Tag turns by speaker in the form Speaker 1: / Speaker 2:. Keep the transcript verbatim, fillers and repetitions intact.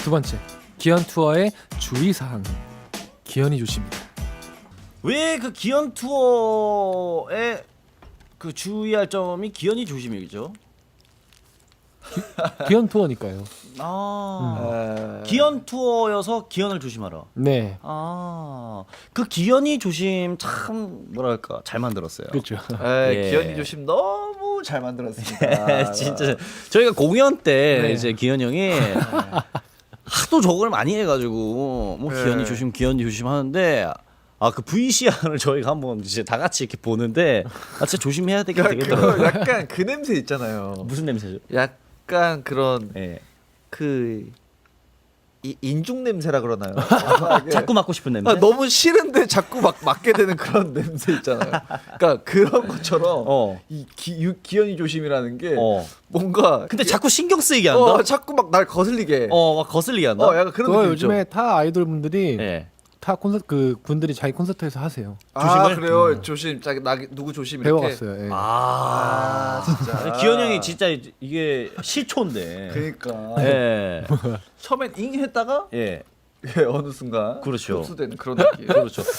Speaker 1: 두 번째, 기현 투어의 주의 사항. 기현이 조심이다.
Speaker 2: 왜 그 기현 투어에 그 주의할 점이 기현이 조심이죠?
Speaker 1: 기현 투어니까요.
Speaker 2: 아
Speaker 3: 에...
Speaker 2: 기현 투어여서 기현을 조심하라.
Speaker 1: 네,
Speaker 2: 아그 기현이 조심 참 뭐랄까 잘 만들었어요.
Speaker 1: 그렇죠.
Speaker 3: 에,
Speaker 2: 예.
Speaker 3: 기현이 조심 너무 잘 만들었습니다.
Speaker 2: 진짜 저희가 공연 때
Speaker 1: 네.
Speaker 2: 이제 기현 형이 하도 저걸 많이 해가지고 뭐
Speaker 3: 네.
Speaker 2: 기현이 조심 기현이 조심 하는데 아 그 브이씨알을 저희가 한번 이제 다 같이 이렇게 보는데 아 진짜 조심해야 되긴
Speaker 3: 그러니까
Speaker 2: 되겠더라고요.
Speaker 3: 그 약간 그 냄새 있잖아요.
Speaker 2: 무슨 냄새죠?
Speaker 3: 약간 그런
Speaker 2: 예.
Speaker 3: 그 이, 인중 냄새라 그러나요?
Speaker 2: 자꾸 맡고 싶은 냄새.
Speaker 3: 아, 너무 싫은데 자꾸 막 맡게 되는 그런 냄새 있잖아요. 그러니까 그런 것처럼
Speaker 2: 어.
Speaker 3: 이 기, 유, 기현이 조심이라는 게
Speaker 2: 어.
Speaker 3: 뭔가
Speaker 2: 근데 자꾸 신경 쓰이게 한다.
Speaker 3: 어, 자꾸 막 날 거슬리게.
Speaker 2: 어, 막 거슬리게 한다.
Speaker 3: 어, 약간 그런
Speaker 1: 그거
Speaker 3: 느낌 있죠.
Speaker 1: 요즘에 타 아이돌 분들이
Speaker 2: 예.
Speaker 1: 타 콘서트 그 분들이 자기 콘서트에서 하세요.
Speaker 3: 아
Speaker 2: 조심을?
Speaker 3: 그래요. 조심. 자, 나 누구 조심 이렇게.
Speaker 1: 배워갔어요. 예.
Speaker 2: 아,
Speaker 3: 아, 진짜.
Speaker 2: 기현 형이 진짜 이게 시초인데.
Speaker 3: 그러니까
Speaker 2: 예.
Speaker 3: 처음엔 잉 했다가
Speaker 2: 예.
Speaker 3: 예, 어느 순간
Speaker 2: 그렇죠.
Speaker 3: 흡수되는 그런 느낌.
Speaker 2: 그렇죠.